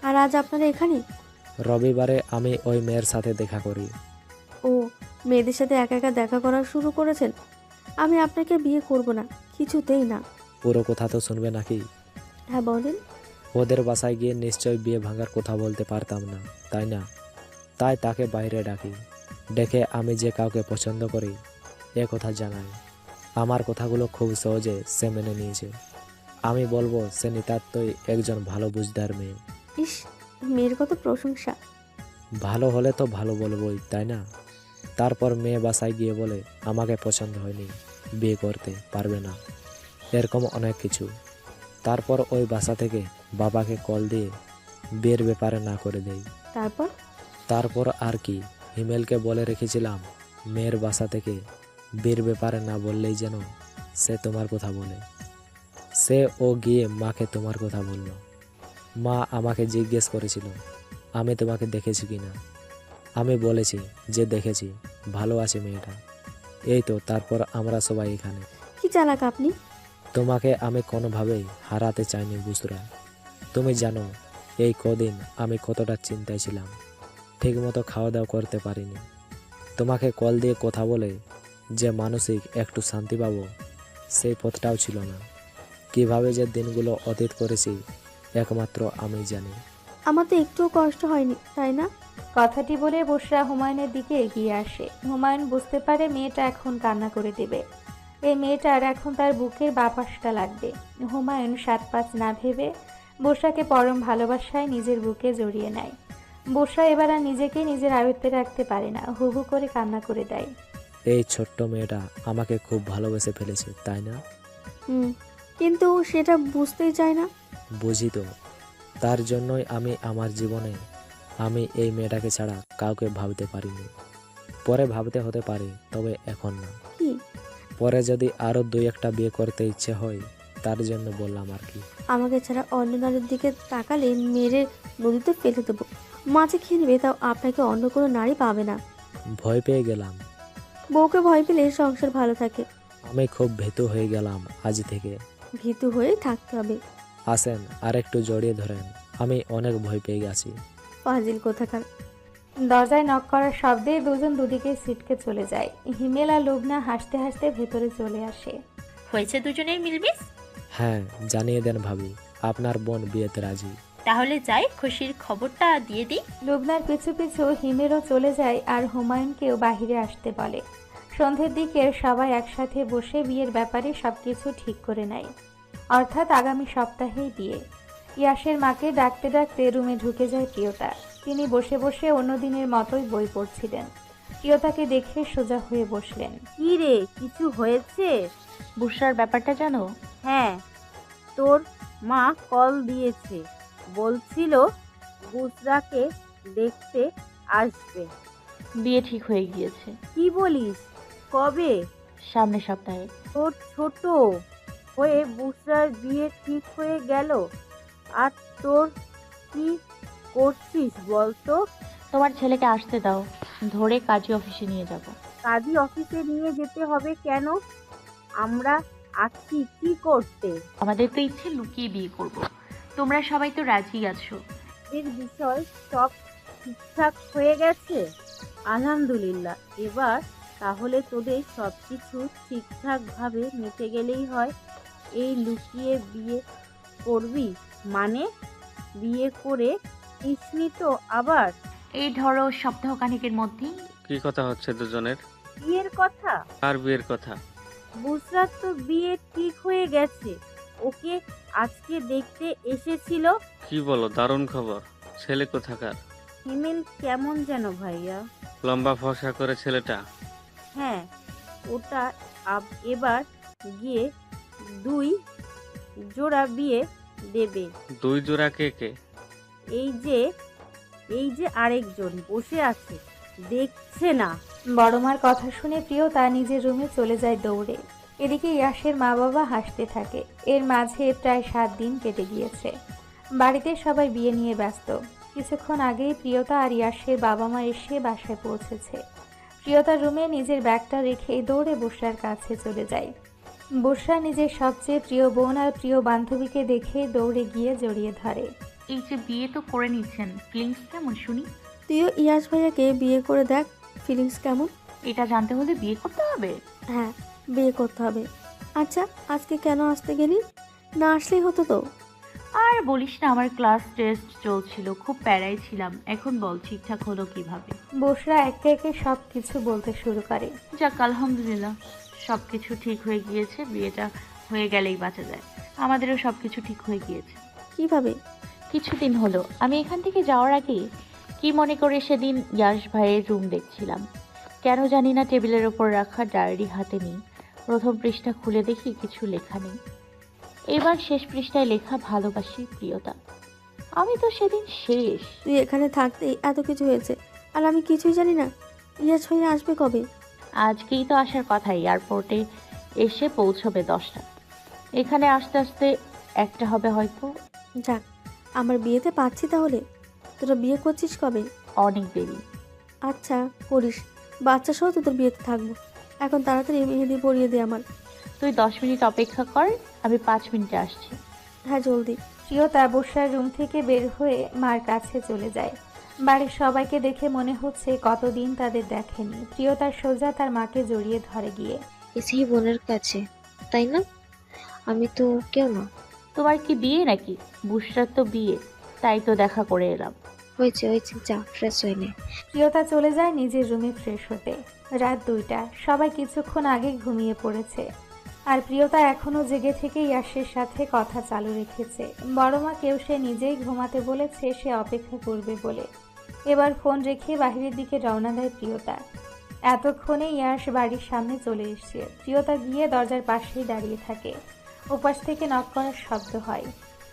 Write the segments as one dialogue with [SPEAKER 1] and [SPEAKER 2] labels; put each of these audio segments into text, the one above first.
[SPEAKER 1] আর আজ আপনারা এখানে?
[SPEAKER 2] রবিবারে আমি ওই মেয়ের সাথে দেখা করি।
[SPEAKER 1] ও, মেয়েদের সাথে একা একা দেখা করা শুরু করেছেন? আমি আপনাকে বিয়ে করব না, কিছুতেই না।
[SPEAKER 2] পুরো কথা তো শুনবে নাকি?
[SPEAKER 1] হ্যাঁ বলেন।
[SPEAKER 2] ওদের বাসায় গিয়ে নিশ্চয় বিয়ে ভাঙার কথা বলতে পারতাম না, তাই না? তাই তাকে বাইরে ডাকি, ডেকে আমি যে কাউকে পছন্দ করি এ কথা জানাই। আমার কথাগুলো খুব সহজে সে মেনে নিয়েছে। আমি বলবো সে নিতান্তই একজন ভালো বুঝদার মেয়ে।
[SPEAKER 1] ইস, মেয়ের কত প্রশংসা।
[SPEAKER 2] ভালো হলে তো ভালো বলবোই, তাই না? তারপর মেয়ে বাসায় গিয়ে বলে আমাকে পছন্দ হয়নি, বিয়ে করতে পারবে না, এরকম অনেক কিছু। তারপর ওই বাসা থেকে বাবাকে কল দিয়ে বিয়ের ব্যাপারে না করে দেই।
[SPEAKER 1] তারপর?
[SPEAKER 2] তারপর আর কি, হিমেলকে বলে রেখেছিলাম মেয়ের বাসা থেকে বিয়ের ব্যাপারে না বললেই যেন সে তোমার কথা বলে। সে ও গিয়ে মাকে তোমার কথা বলল। মা আমাকে জিজ্ঞেস করেছিল আমি তোমাকে দেখেছি কিনা। আমি বলেছি যে দেখেছি, ভালো আছে মেয়েটা। এই তো, তারপর আমরা সবাই এখানে।
[SPEAKER 1] কি চালাক আপনি।
[SPEAKER 2] তোমাকে আমি কোনোভাবেই হারাতে চাইনি বুসরা। তুমি জানো এই কদিন আমি কতটা চিন্তায় ছিলাম, ঠিকমতো খাওয়া দাওয়া করতে পারিনি। তোমাকে কল দিয়ে কথা বলে যে মানসিক একটু শান্তি পাবো সেই পথটাও ছিল না। কিভাবে যে দিনগুলো অতীত করেছি একমাত্র আমি জানি।
[SPEAKER 1] আমার তো একটুও কষ্ট হয়নি, তাই না?
[SPEAKER 3] কথাটি বলে বুশরা হুমায়ুনের দিকে এগিয়ে আসে। হুমায়ুন বুঝতে পারে মেয়েটা এখন কান্না করে দেবে। এই মেয়েটার এখন তার বুকের বাপাসটা লাগবে। হুমায়ুন সাত পাঁচ না ভেবে বুশরাকে পরম ভালোবাসায় নিজের বুকে জড়িয়ে নেয়। বুশরা এবার আর নিজেকে নিজের আয়ত্তে রাখতে পারে না, হু হু করে কান্না করে দেয়।
[SPEAKER 2] এই ছোট্ট মেয়েটা আমাকে খুব ভালোবেসে ফেলেছে, তাই না?
[SPEAKER 1] হুম, কিন্তু সেটা বুঝতেই চায় না।
[SPEAKER 2] বুঝি তো, তার জন্যই আমি আমার জীবনে আমি এই মেয়েটাকে ছাড়া কাউকে ভাবতে পারিনি। পরে ভাবতে হতে পারে, তবে এখন না।
[SPEAKER 1] কি?
[SPEAKER 2] পরে যদি আরো দুই একটা বিয়ে করতে ইচ্ছে হয় তার জন্য বললাম আর কি।
[SPEAKER 1] আমাকে ছাড়া অন্য নারীর দিকে তাকালে মেরে নদীতে ফেলে দেবো। মাছে খেয়ে নেবে, তাও আপনাকে অন্য কোনো নারী পাবে না।
[SPEAKER 2] ভয় পেয়ে গেলাম।
[SPEAKER 1] বউকে ভয় পেলে সংসার ভালো থাকে।
[SPEAKER 2] আমি খুব ভীতু হয়ে গেলাম আজ থেকে।
[SPEAKER 1] ভীতু হয়েই থাকতে হবে।
[SPEAKER 2] আসেন আর একটু জড়িয়ে ধরেন, আমি অনেক ভয় পেয়ে গেছি।
[SPEAKER 1] ফাজিল কোথাকার।
[SPEAKER 3] দরজায় নক করার শব্দে দুজন দুদিকে ছিটকে চলে যায়। হিমেল আর লুবনা হাসতে হাসতে ভেতরে চলে আসে।
[SPEAKER 4] হয়েছে দুজনের মিলমিস।
[SPEAKER 2] হ্যাঁ, জানিয়ে দেন ভাবি, আপনার বোন বিয়েতে রাজি।
[SPEAKER 4] তাহলে যাই খুশির খবরটা দিয়ে দিই।
[SPEAKER 3] লুবনার পিছু পিছু হিমেলও চলে যায় আর হুমায়ুনকেও বাহিরে আসতে বলে। সন্ধ্যের দিকে সবাই একসাথে বসে বিয়ের ব্যাপারে সবকিছু ঠিক করে নেয়। অর্থাৎ আগামী সপ্তাহেই বিয়ে। ইয়াসের মাকে ডাকতে ডাকতে রুমে ঢুকে যায় প্রিয়তা। তিনি বসে বসে অন্য দিনের মতোই বই পড়ছিলেন। প্রিয়তাকে দেখে সোজা হয়ে বসলেন।
[SPEAKER 5] কি রে, কিছু হয়েছে?
[SPEAKER 4] বুসরার ব্যাপারটা জানো?
[SPEAKER 5] হ্যাঁ, তোর মা কল দিয়েছে, বলছিল বুসরাকে দেখতে আসবে।
[SPEAKER 4] বিয়ে ঠিক হয়ে গিয়েছে
[SPEAKER 5] কি বলিস? কবে?
[SPEAKER 4] সামনের সপ্তাহে।
[SPEAKER 5] তোর ছোট হয়ে বুসরার বিয়ে ঠিক হয়ে গেল, আর তোর কি করছিস বলতো?
[SPEAKER 4] তোমার ছেলেকে আসতে দাও, ধরে কাজী অফিসে নিয়ে যাব।
[SPEAKER 5] কাজী অফিসে নিয়ে যেতে হবে কেন? আমরা আছি কি করতে?
[SPEAKER 4] আমাদের তো ইচ্ছে লুকিয়ে বিয়ে করব। তোমরা সবাই তো রাজি আছো।
[SPEAKER 5] এর বিষয় সব ঠিকঠাক হয়ে গেছে? আলহামদুলিল্লাহ। এবার তাহলে তোদের সব কিছু ঠিকঠাক ভাবে মিটে গেলেই হয়। এই লুকিয়ে বিয়ে করবি মানে? বিয়ে করে নিসনি তো আবার?
[SPEAKER 4] এই ধরো সপ্তাহখানেকের মধ্যেই।
[SPEAKER 6] কি কথা হচ্ছে দুজনের?
[SPEAKER 5] বিয়ের কথা?
[SPEAKER 6] আর বিয়ের কথা?
[SPEAKER 5] বুসরাত তো বিয়ে ঠিক হয়ে গেছে, ওকে আজকে দেখতে এসেছিল।
[SPEAKER 6] কি বলো, দারুণ খবর। ছেলে কোথাকার?
[SPEAKER 5] হিমেল কেমন যেন ভাইয়া?
[SPEAKER 6] লম্বা ফর্সা করে ছেলেটা?
[SPEAKER 5] হ্যাঁ, ওটা এবার গিয়ে 2 জোড়া বিয়ে দেবে।
[SPEAKER 6] 2 জোড়া? কে কে?
[SPEAKER 5] এই যে এই যে আরেকজন বসে আছে, দেখছে না?
[SPEAKER 3] বড়মার কথা শুনে প্রিয়তা নিজের রুমে চলে যায় দৌড়ে। এদিকে ইয়াসের মা বাবা হাসতে থাকে। এর মাঝে প্রায় 7 দিন কেটে গিয়েছে। বাড়িতে সবাই বিয়ে নিয়ে ব্যস্ত। কিছুক্ষণ আগেই প্রিয়তা আর ইয়াসের বাবা মা এসে বাসায় পৌঁছেছে। প্রিয়তার রুমে নিজের ব্যাগটা রেখে দৌড়ে বুশরার কাছে চলে যায়। বুশরা নিজের সবচেয়ে প্রিয় বোন আর প্রিয় বান্ধবীকে দেখে দৌড়ে গিয়ে জড়িয়ে ধরে।
[SPEAKER 4] এই যে বিয়ে তো করে নিচ্ছেন, ফিলিংস কেমন শুনি?
[SPEAKER 1] তুইও ইয়াশ ভাইয়াকে বিয়ে করে দেখ, ফিলিংস কেমন।
[SPEAKER 4] এটা জানতে হলে বিয়ে করতে হবে?
[SPEAKER 1] হ্যাঁ, বিয়ে করতে হবে। আচ্ছা, আজকে কেন আসতে গেলি? না আসলেই হতো তো।
[SPEAKER 4] আর বলিস না, আমার ক্লাস টেস্ট চলছিল, খুব প্যারাই ছিলাম। এখন বল ঠিকঠাক হলো কিভাবে?
[SPEAKER 3] বসরা একে একে সব কিছু বলতে শুরু করে।
[SPEAKER 4] যাক আলহামদুলিল্লাহ, সব কিছু ঠিক হয়ে গিয়েছে। বিয়েটা হয়ে গেলেই বাঁচা যায়। আমাদেরও সব কিছু ঠিক হয়ে গিয়েছে।
[SPEAKER 1] কিভাবে?
[SPEAKER 4] কিছুদিন হলো আমি এখান থেকে যাওয়ার আগে কি মনে করে সেদিন ইয়াশ ভাইয়ের রুম দেখছিলাম। কেন জানি না টেবিলের ওপর রাখা ডায়েরি হাতে নিই। প্রথম পৃষ্ঠা খুলে দেখি কিছু লেখা নেই। এবার শেষ পৃষ্ঠায় লেখা ভালোবাসি প্রিয়তা। আমি তো সেদিন শেষ।
[SPEAKER 1] তুই এখানে থাকতেই এত কিছু হয়েছে, আর আমি কিছুই জানি না। ইয়াশ ভাইয়া আসবে কবে?
[SPEAKER 4] আজকেই তো আসার কথা, এয়ারপোর্টে এসে পৌঁছবে 10টা। এখানে আস্তে আস্তে 1টা হবে হয়তো।
[SPEAKER 1] যাক, আমার বিয়েতে পাচ্ছি তাহলে। তোরা বিয়ে করছিস কবে?
[SPEAKER 4] অনেক দেরি।
[SPEAKER 1] আচ্ছা, করিস। বাচ্চা সহ তোদের বিয়েতে থাকবো। এখন তাড়াতাড়ি মেহেদি পরিয়ে দে আমার।
[SPEAKER 4] তুই 10 মিনিট অপেক্ষা কর, আমি 5 মিনিটে আসছি।
[SPEAKER 1] হ্যাঁ, জলদি।
[SPEAKER 3] প্রিয়তা বসরার রুম থেকে বের হয়ে মার কাছে চলে যায়। বাড়ির সবাইকে দেখে মনে হচ্ছে কতদিন তাদের দেখেনি। প্রিয়তার সোজা তার মাকে জড়িয়ে ধরে গিয়ে।
[SPEAKER 7] এসেই বোনের কাছে, তাই না? আমি তো কেউ না।
[SPEAKER 4] তোমার কি বিয়ে নাকি? বুশরার তো বিয়ে, তাই তো দেখা করে এলাম।
[SPEAKER 7] হয়েছে হয়েছে, যা ফ্রেশ হয়ে নে।
[SPEAKER 3] প্রিয়তা চলে যায় নিজের রুমে ফ্রেশ হতে। রাত 2টা, সবাই কিছুক্ষণ আগে ঘুমিয়ে পড়েছে। আর প্রিয়তা এখনো জেগে থেকে ইয়াশের সাথে কথা চালু রেখেছে। বড় মাকেও সে নিজেই ঘুমাতে বলেছে, সে অপেক্ষা করবে বলে। এবার ফোন রেখে বাহিরের দিকে রওনা দেয় প্রিয়তা। এতক্ষণে ইয়াশ বাড়ির সামনে চলে এসেছে। প্রিয়তা গিয়ে দরজার পাশেই দাঁড়িয়ে থাকে। ওপাশ থেকে নক করার শব্দ হয়।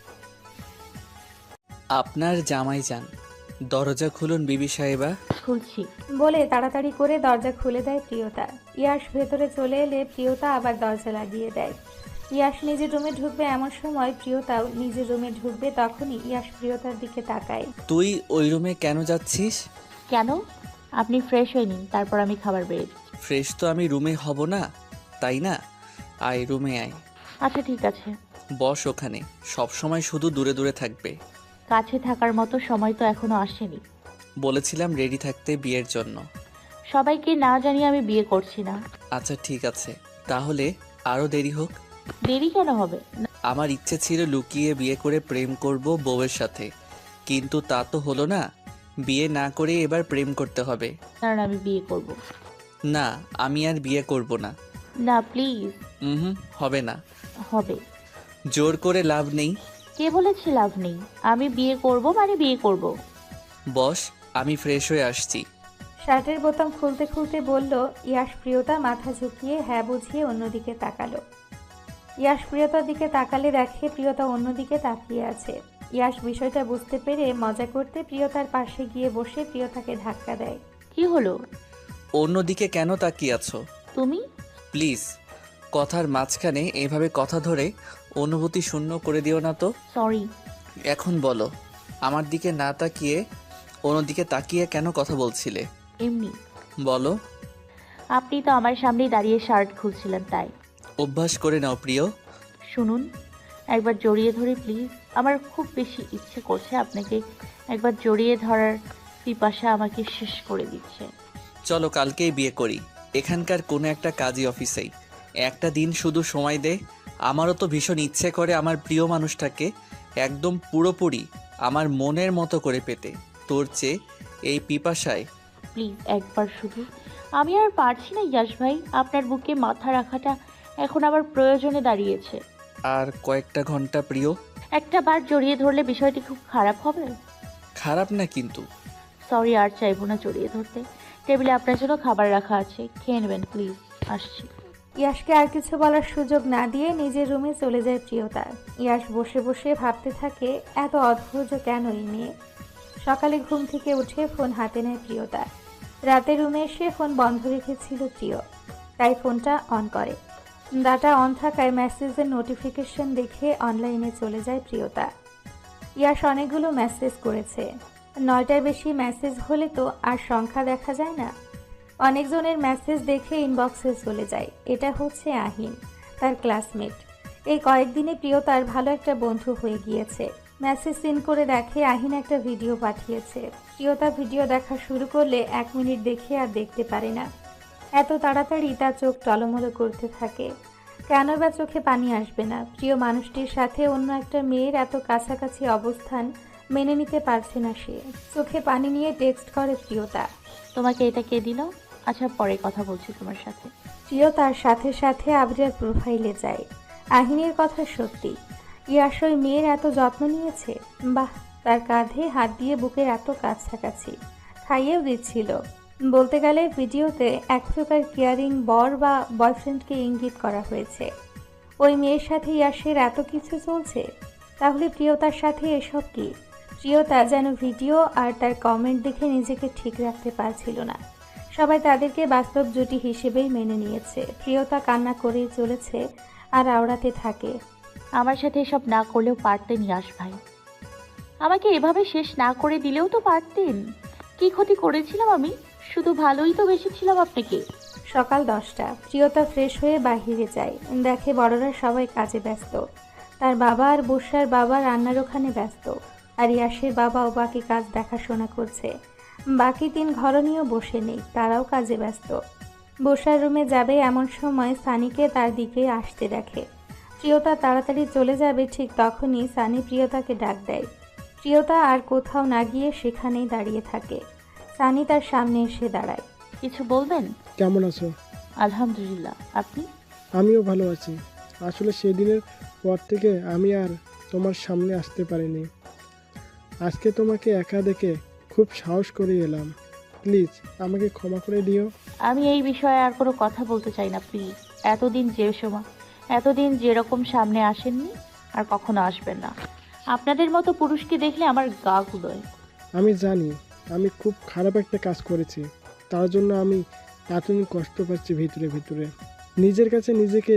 [SPEAKER 8] আপনার জামাই যান, দরজা খুলুন বিবি সাহেবা।
[SPEAKER 4] খুলছি।
[SPEAKER 3] বলে তাড়াতাড়ি করে দরজা খুলে দেয় প্রিয়তা। ইয়াশ ভেতরে চলে এলে প্রিয়তা আবার দরজা লাগিয়ে দেয়। ইয়াশ নিজের রুমে ঢুকবে এমন সময় প্রিয়তাও নিজের রুমে ঢুকবে। তখনই ইয়াশ প্রিয়তার দিকে তাকায়।
[SPEAKER 8] তুই ওই রুমে কেন যাচ্ছিস?
[SPEAKER 4] কেন? আপনি ফ্রেশ হয়ে নিন, তারপর আমি খাবার বেড়ে দিই।
[SPEAKER 8] ফ্রেশ তো আমি রুমে হব না, তাই না? আয় রুমে আয়।
[SPEAKER 4] আচ্ছা ঠিক আছে।
[SPEAKER 8] বস ওখানে, সব সময় শুধু দূরে দূরে থাকবে।
[SPEAKER 4] কাছে থাকার মতো সময় তো এখনো আসেনি।
[SPEAKER 8] বলেছিলাম রেডি থাকতে বিয়ের জন্য।
[SPEAKER 4] সবাইকে না জানিয়ে আমি বিয়ে করছি না।
[SPEAKER 8] আচ্ছা ঠিক আছে, তাহলে আরও দেরি হোক।
[SPEAKER 4] দেরি কেন হবে?
[SPEAKER 8] আমার ইচ্ছে ছিল লুকিয়ে বিয়ে করে প্রেম করব বউয়ের সাথে, কিন্তু তা তো হলো না। বিয়ে না করে এবার প্রেম করতে হবে।
[SPEAKER 4] কারণ আমি বিয়ে করব।
[SPEAKER 8] না, আমি আর বিয়ে করব না।
[SPEAKER 4] না প্লিজ।
[SPEAKER 8] হবে না।
[SPEAKER 4] হবে।
[SPEAKER 8] জোর করে লাভ নেই।
[SPEAKER 4] কে বলেছে লাভ নেই? আমি বিয়ে করব মানে বিয়ে করব।
[SPEAKER 8] বস, আমি ফ্রেশ হয়ে আসছি।
[SPEAKER 3] শার্টের বোতাম খুলতে খুলতে বলল ইয়াশ। প্রিয়তা মাথা ঝুঁকিয়ে হ্যাঁ বুঝিয়ে অন্যদিকে তাকালো। ইয়াশ প্রিয়তার দিকে তাকালে দেখে প্রিয়তা অন্যদিকে তাকিয়ে আছে। ইয়াশ বিষয়টা বুঝতে পেরে মজা করতে প্রিয়তার পাশে গিয়ে বসে প্রিয়তাকে ধাক্কা দেয়।
[SPEAKER 4] কি হলো?
[SPEAKER 8] অন্যদিকে কেন তাকিয়ে আছো?
[SPEAKER 4] তুমি?
[SPEAKER 8] প্লিজ, কথার মাঝখানে এভাবে কথা ধরে অনুভূতি শূন্য করে দিও না তো।
[SPEAKER 4] সরি।
[SPEAKER 8] এখন বলো, আমার দিকে না তাকিয়ে অন্যদিকে তাকিয়ে কেন কথা বলছিলে?
[SPEAKER 4] এমনি।
[SPEAKER 8] বলো।
[SPEAKER 4] আপনি তো আমার সামনেই দাঁড়িয়ে শার্ট খুলছিলেন, তাই।
[SPEAKER 8] অভ্যাস করে নাও প্রিয়।
[SPEAKER 4] শুনুন, একবার জড়িয়ে ধরি প্লিজ। আমার খুব বেশি ইচ্ছে করছে আপনাকে একবার জড়িয়ে ধরার পিপাসা আমাকে শেষ করে দিচ্ছে।
[SPEAKER 8] চলো কালকেই বিয়ে করি, এখানকার কোনো একটা কাজী অফিসেই। একটা দিন শুধু সময় দে। আমারও তো ভীষণ ইচ্ছে করে আমার প্রিয় মানুষটাকে একদম পুরোপুরি আমার মনের মতো করে পেতে। তোর চেয়ে এই পিপাসায়।
[SPEAKER 4] প্লিজ একবার শুধু। আমি আর পারছি না ইয়াশ ভাই, আপনার বুকে মাথা রাখাটা এখন আবার প্রয়োজনে দাঁড়িয়েছে।
[SPEAKER 8] আর কয়েকটা ঘন্টা প্রিয়।
[SPEAKER 4] একটা বার জড়িয়ে ধরলে বিষয়টি খুব খারাপ হবে।
[SPEAKER 8] খারাপ না কিন্তু।
[SPEAKER 4] সরি, আর চাইবো না জড়িয়ে ধরতে। টেবিলে আপনার জন্য খাবার রাখা আছে, খেয়ে নেবেন প্লিজ। আসছি।
[SPEAKER 3] ইয়াশকে আর কিছু বলার সুযোগ না দিয়ে নিজের রুমে চলে যায় প্রিয়তা। ইয়াশ বসে বসে ভাবতে থাকে, এত অধৈর্য কেন এই মেয়ে। সকালে ঘুম থেকে উঠে ফোন হাতে নেয় প্রিয়তা। রাতে রুমে এসে ফোন বন্ধ রেখেছিল প্রিয়, তাই ফোনটা অন করে। ডাটা অন থাকায় মেসেজের নোটিফিকেশন দেখে অনলাইনে চলে যায় প্রিয়তা। ইয়াশ অনেকগুলো মেসেজ করেছে। 9টার বেশি মেসেজ হলে তো আর সংখ্যা দেখা যায় না। অনেকজনের মেসেজ দেখে ইনবক্সে চলে যায়। এটা হচ্ছে আহিন, তার ক্লাসমেট। এই কয়েকদিনে প্রিয়তার ভালো একটা বন্ধু হয়ে গিয়েছে। মেসেজ সিন করে দেখে আহিন একটা ভিডিও পাঠিয়েছে। প্রিয়তা ভিডিও দেখা শুরু করলে 1 মিনিট দেখে আর দেখতে পারে না। এত তাড়াতাড়ি তার চোখ টলমলো করতে থাকে। কেন বা চোখে পানি আসবে না? প্রিয় মানুষটির সাথে অন্য একটা মেয়ের এত কাছাকাছি অবস্থান মেনে নিতে পারছে না সে। চোখে পানি নিয়ে টেক্সট করে প্রিয়তা।
[SPEAKER 4] তোমাকে এটা কে দিল? আচ্ছা, পরে কথা বলছি তোমার সাথে।
[SPEAKER 3] প্রিয়তার সাথে সাথে আবরার প্রোফাইলে যায়। আহিনের কথা সত্যি, ইয়াশ ওই মেয়ের এত যত্ন নিয়েছে। বাহ, তার কাঁধে হাত দিয়ে বুকের এত কাছাকাছি, খাইয়েও দিচ্ছিল। বলতে গেলে ভিডিওতে এক প্রকার কেয়ারিং বর বা বয়ফ্রেন্ডকে ইঙ্গিত করা হয়েছে। ওই মেয়ের সাথে ইয়াশের এত কিছু চলছে, তাহলে প্রিয়তার সাথে এসব কি? প্রিয়তা যেন ভিডিও আর তার কমেন্ট দেখে নিজেকে ঠিক রাখতে পারছিল না। সবাই তাদেরকে বাস্তব জুটি হিসেবেই মেনে নিয়েছে। প্রিয়তা কান্না করেই চলেছে আর আওড়াতে থাকে।
[SPEAKER 4] আমার সাথে এসব না করলেও পারতেন ইয়াশ ভাই। আমাকে এভাবে শেষ না করে দিলেও তো পারতেন। কি ক্ষতি করেছিলাম আমি? শুধু ভালোই তো বেসেছিলাম আপনাকে।
[SPEAKER 3] সকাল 10টা। প্রিয়তা ফ্রেশ হয়ে বাহিরে যায়। দেখে বড়রা সবাই কাজে ব্যস্ত। তার বাবা আর বর্ষার বাবা রান্নার ওখানে ব্যস্ত, আর ইয়াশের বাবাও বাকি কাজ দেখাশোনা করছে। বাকি 3 ঘরণীও বসে নেই, তারাও কাজে ব্যস্ত। বর্ষার রুমে যাবে এমন সময় সানিকে তার দিকে আসতে দেখে। প্রিয়তা তাড়াতাড়ি চলে যাবে, ঠিক তখনই সানি প্রিয়তাকে ডাক দেয়। প্রিয়তা আর কোথাও না গিয়ে সেখানেই দাঁড়িয়ে থাকে। সানি তার সামনে এসে দাঁড়ায়।
[SPEAKER 4] কিছু বলবেন?
[SPEAKER 9] কেমন আছো?
[SPEAKER 4] আলহামদুলিল্লাহ, আপনি?
[SPEAKER 9] আমিও ভালো আছি। আসলে সেদিনের পর থেকে আমি আর তোমার সামনে আসতে পারিনি। আজকে তোমাকে একা দেখে খুব সাহস করে এলাম। প্লিজ আমাকে ক্ষমা করে দিও।
[SPEAKER 4] আমি এই বিষয়ে আর কোনো কথা বলতে চাই না, প্লিজ। এতদিন যেরকম সামনে আসেননি, আর কখনো আসবেন না। আপনাদের মতো পুরুষকে দেখলে আমার গা গুলোয়।
[SPEAKER 9] আমি জানি আমি খুব খারাপ একটা কাজ করেছি, তার জন্য আমি এতদিন কষ্ট পাচ্ছি ভিতরে ভিতরে। নিজের কাছে নিজেকে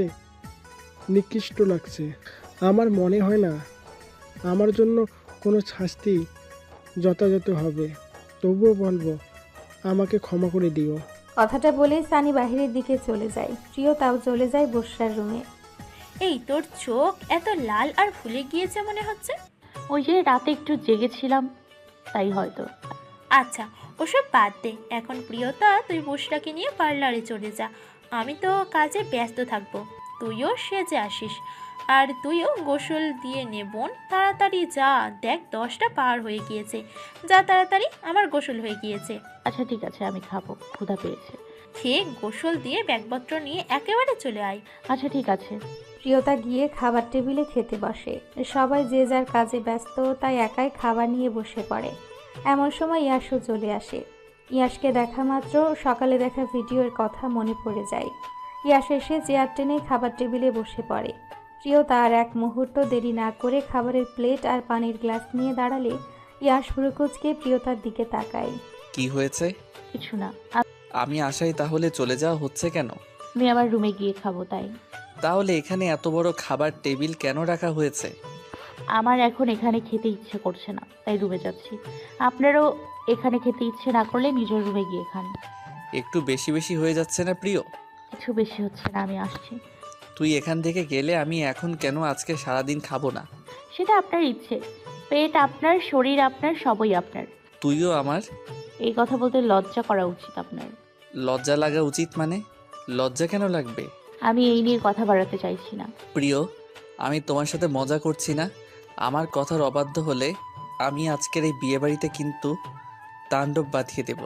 [SPEAKER 9] নিকৃষ্ট লাগছে। আমার মনে হয় না আমার জন্য কোনো শাস্তি যথাযথ হবে। তবুও বলবো, আমাকে ক্ষমা করে দিও।
[SPEAKER 3] কথাটা বলেই সানি বাহিরের দিকে চলে যায়। প্রিয়তাও চলে যায় বর্ষার রুমে।
[SPEAKER 10] এই, তোর চোখ এত লাল আর ফুলে গিয়েছে মনে হচ্ছে।
[SPEAKER 4] ওই যে রাতে একটু জেগেছিলাম, তাই হয়তো।
[SPEAKER 10] আচ্ছা, ওসব বাদ দে এখন। প্রিয়তা, তুই বসরাকে নিয়ে পার্লারে চলে যা। আমি তো কাজে ব্যস্ত থাকবো। তুইও সেজে আসিস, আর তুইও গোসল দিয়ে নে বোন। তাড়াতাড়ি যা, দেখ 10টা পার হয়ে গিয়েছে। যা তাড়াতাড়ি, আমার গোসল হয়ে গিয়েছে।
[SPEAKER 4] আচ্ছা ঠিক আছে, আমি খাবো, ক্ষুধা পেয়েছে।
[SPEAKER 10] খেয়ে গোসল দিয়ে ব্যাগপত্র নিয়ে একেবারে চলে আয়।
[SPEAKER 4] আচ্ছা ঠিক আছে।
[SPEAKER 3] প্রিয়তা গিয়ে খাবার টেবিলে খেতে বসে। সবাই যে যার কাজে ব্যস্ত, তাই একাই খাবার নিয়ে বসে পড়ে। এমন সময় ইয়াশও চলে আসে। ইয়াশকে দেখা মাত্র সকালে দেখা ভিডিওর কথা মনে পড়ে যায়। ইয়াশ এসে চেয়ার টেনে খাবার টেবিলে বসে পড়ে। প্রিয়তা আর এক মুহূর্ত দেরি না করে খাবারের প্লেট আর পানির গ্লাস নিয়ে দাঁড়ালে ইয়াশ ভ্রুকুচকে প্রিয়তার দিকে তাকায়।
[SPEAKER 8] কি হয়েছে?
[SPEAKER 4] কিছু না।
[SPEAKER 8] আমি আশাই তাহলে চলে যাওয়া হচ্ছে কেন?
[SPEAKER 4] আমি আবার রুমে গিয়ে খাবো, তাই।
[SPEAKER 8] তাহলে এখানে এত বড় খাবার টেবিল কেন রাখা হয়েছে?
[SPEAKER 4] আমার এখন এখানে খেতে ইচ্ছে করছে না, তাই রুমে যাচ্ছি। আপনারও এখানে খেতে ইচ্ছে না করলে নিজের রুমে গিয়ে খান।
[SPEAKER 8] একটু বেশি বেশি হয়ে যাচ্ছে না প্রিয়?
[SPEAKER 4] কিছু বেশি হচ্ছে না, আমি আসছি।
[SPEAKER 8] তুই এখান থেকে গেলে আমি এখন কেন আজকে সারাদিন খাবো না?
[SPEAKER 4] সেটা আপনার ইচ্ছে। পেট আপনার, শরীর আপনার, সবই আপনার।
[SPEAKER 8] তুইও আমার।
[SPEAKER 4] এই কথা বলতে লজ্জা করা উচিত আপনার।
[SPEAKER 8] লজ্জা লাগা উচিত মানে? লজ্জা কেন লাগবে?
[SPEAKER 4] আমি এই নিয়ে কথা বাড়াতে চাইছি না।
[SPEAKER 8] প্রিয়, আমি তোমার সাথে মজা করছি না। আমার কথার অবাধ্য হলে আমি আজকের এই বিয়েবাড়িতে কিন্তু তাণ্ডব বাঁধিয়ে দেব।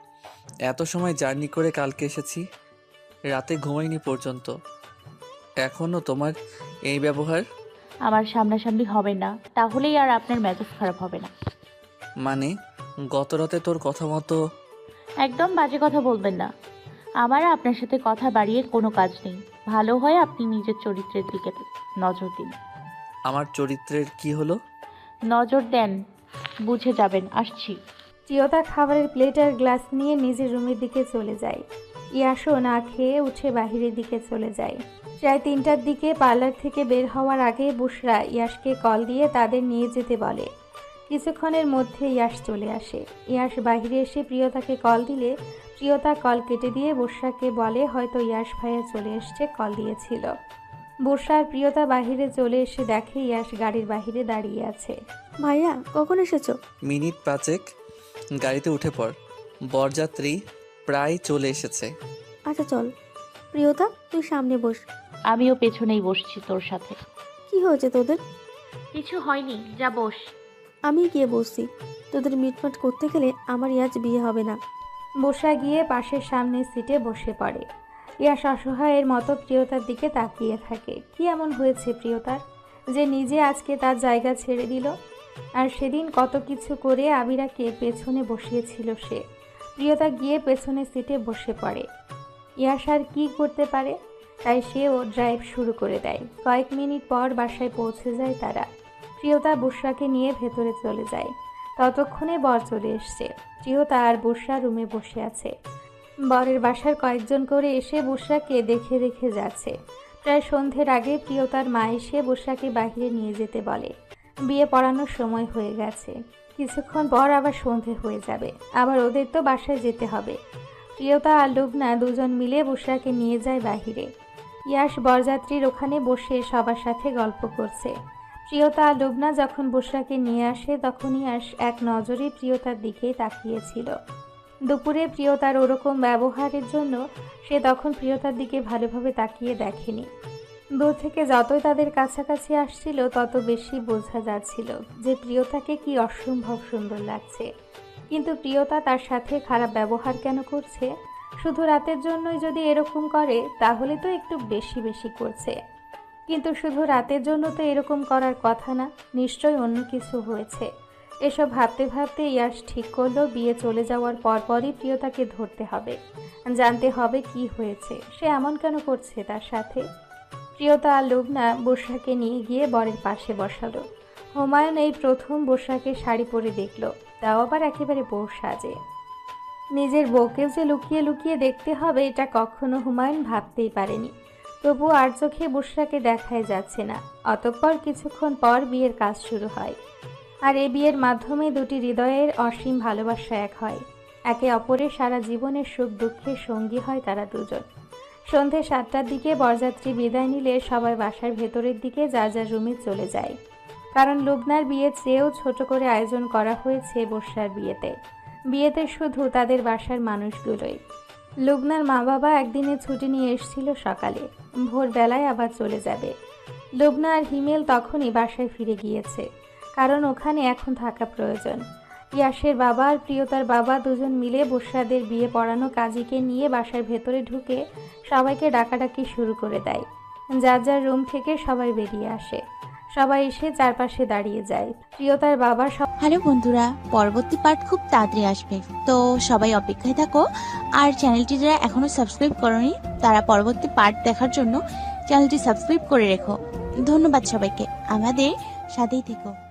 [SPEAKER 8] এত সময় জার্নি করে কালকে এসেছি, রাতে ঘুমাইনি পর্যন্ত, এখনও তোমার এই ব্যবহার?
[SPEAKER 4] আমার সামনাসামনি হবে না, তাহলেই আর আপনার মেজাজ খারাপ হবে না।
[SPEAKER 8] মানে গত রাতে তোর কথা মতো?
[SPEAKER 4] একদম বাজে কথা বলবেন না। আমার আপনার সাথে কথা বাড়িয়ে কোনো কাজ নেই। ভালো হয় আপনি নিজের চরিত্রের দিকে নজর দিন।
[SPEAKER 8] আমার চরিত্রের কি হলো?
[SPEAKER 4] নজর দেন, বুঝে যাবেন। আসছি।
[SPEAKER 3] প্রিয়তা খাবারের প্লেট আর গ্লাস নিয়ে নিজের রুমের দিকে চলে যায়। ইয়াশও না খেয়ে উঠে বাহিরের দিকে চলে যায়। প্রায় 3টার দিকে পার্লার থেকে বের হওয়ার আগে বুশরা ইয়াশকে কল দিয়ে তাদের নিয়ে যেতে বলে। কিছুক্ষণের মধ্যে ইয়াশ চলে আসে। ইয়াশ বাহিরে এসে প্রিয়তাকে কল দিলে প্রিয়তা কল কেটে দিয়ে বুশরাকে বলে হয়তো ইয়াশ ভাইয়া চলে এসছে, কল দিয়েছিল। বর্ষা আর প্রিয়তা বাহিরে চলে এসে দেখে ইয়াশ গাড়ির বাহিরে দাঁড়িয়ে আছে।
[SPEAKER 1] ভাইয়া কখন এসেছো?
[SPEAKER 8] মিনিট 5 গাড়িতে উঠে পড়, বরযাত্রী প্রায় চলে এসেছে।
[SPEAKER 1] আচ্ছা চল। প্রিয়তা তুই সামনে বস।
[SPEAKER 4] আমিও পেছনেই বসছি তোর সাথে।
[SPEAKER 1] কি হয়েছে তোদের?
[SPEAKER 4] কিছু হয়নি, যা বস।
[SPEAKER 1] আমি গিয়ে বসছি। তোদের মিটমাট করতে গেলে আমার আজ বিয়ে হবে না।
[SPEAKER 3] বর্ষা গিয়ে পাশের সামনের সিটে বসে পড়ে। ইয়াশ অসহায়ের মতো প্রিয়তার দিকে তাকিয়ে থাকে। কি এমন হয়েছে প্রিয়তার যে নিজে আজকে তার জায়গা ছেড়ে দিল? আর সেদিন কত কিছু করে আবিরাকে পেছনে বসিয়েছিল সে। প্রিয়তা গিয়ে পেছনের সিটে বসে পড়ে। ইয়াশ আর কি করতে পারে, তাই সেও ড্রাইভ শুরু করে দেয়। কয়েক মিনিট পর বাসায় পৌঁছে যায় তারা। প্রিয়তা বর্ষাকে নিয়ে ভেতরে চলে যায়। ততক্ষণে বর চলে এসছে। প্রিয়তা আর বর্ষা রুমে বসে আছে। বরের বাসার কয়েকজন করে এসে বর্ষাকে দেখে দেখে যাচ্ছে। প্রায় সন্ধ্যের আগে প্রিয়তার মা এসে বর্ষাকে বাহিরে নিয়ে যেতে বলে। বিয়ে পড়ানোর সময় হয়ে গেছে, কিছুক্ষণ পর আবার সন্ধে হয়ে যাবে, আবার ওদের তো বাসায় যেতে হবে। প্রিয়তা আর লুবনা দুজন মিলে বর্ষাকে নিয়ে যায় বাহিরে। ইয়াশ বরযাত্রীর ওখানে বসে সবার সাথে গল্প করছে। প্রিয়তা আর লুবনা যখন বর্ষাকে নিয়ে আসে তখন ইয়াশ এক নজরে প্রিয়তার দিকেই তাকিয়েছিল। দুপুরে প্রিয়তার ওরকম ব্যবহারের জন্য সে তখন প্রিয়তার দিকে ভালোভাবে তাকিয়ে দেখেনি। দূর থেকে যতই তাদের কাছাকাছি আসছিল তত বেশি বোঝা যাচ্ছিল যে প্রিয়তাকে কি অসম্ভব সুন্দর লাগছে। কিন্তু প্রিয়তা তার সাথে খারাপ ব্যবহার কেন করছে? শুধু রাতের জন্যই যদি এরকম করে তাহলে তো একটু বেশি বেশি করছে। কিন্তু শুধু রাতের জন্য তো এরকম করার কথা না, নিশ্চয়ই অন্য কিছু হয়েছে। এসব ভাবতে ভাবতে ইয়াশ ঠিক করলো বিয়ে চলে যাওয়ার পরপরই প্রিয়তাকে ধরতে হবে, জানতে হবে কি হয়েছে, সে এমন কেন করছে তার সাথে। প্রিয়তা আর লুবনা বর্ষাকে নিয়ে গিয়ে বরের পাশে বসালো। হুমায়ুন এই প্রথম বর্ষাকে শাড়ি পরে দেখলো, তাও আবার একেবারে বউ সাজে। নিজের বউকেও যে লুকিয়ে লুকিয়ে দেখতে হবে এটা কখনো হুমায়ুন ভাবতেই পারেনি। তবু আর চোখে বর্ষাকে দেখাই যাচ্ছে না। অতঃপর কিছুক্ষণ পর বিয়ের কাজ শুরু হয়। আর এই বিয়ের মাধ্যমে দুটি হৃদয়ের অসীম ভালোবাসা এক হয়। একে অপরের সারা জীবনের সুখ দুঃখের সঙ্গী হয় তারা দুজন। সন্ধে 7টার দিকে বরযাত্রী বিদায় নিলে সবাই বাসার ভেতরের দিকে যার যার রুমে চলে যায়। কারণ লুবনার বিয়ের চেয়েও ছোট করে আয়োজন করা হয়েছে বর্ষার বিয়েতে। বিয়েতে শুধু তাদের বাসার মানুষগুলোই। লুবনার মা বাবা একদিনে ছুটি নিয়ে এসেছিল সকালে, ভোরবেলায় আবার চলে যাবে। লুবনা আর হিমেল তখনই বাসায় ফিরে গিয়েছে, কারণ ওখানে এখন থাকা প্রয়োজন। ইয়াশের বাবা আর প্রিয়তার বাবা দুজন মিলে বর্ষাদের বিয়ে পড়ানো কাজীকে নিয়ে বাসার ভেতরে ঢুকে সবাইকে ডাকাডাকি শুরু করে দেয়। যার যার রুম থেকে সবাই বেরিয়ে আসে। সবাই এসে চারপাশে দাঁড়িয়ে যায়। প্রিয়তার বাবা
[SPEAKER 11] হ্যালো বন্ধুরা, পরবর্তী পার্ট খুব তাড়াতাড়ি আসবে, তো সবাই অপেক্ষায় থাকো। আর চ্যানেলটি যারা এখনো সাবস্ক্রাইব করোনি তারা পরবর্তী পার্ট দেখার জন্য চ্যানেলটি সাবস্ক্রাইব করে রেখো। ধন্যবাদ সবাইকে, আমাদের সাথেই থেকো।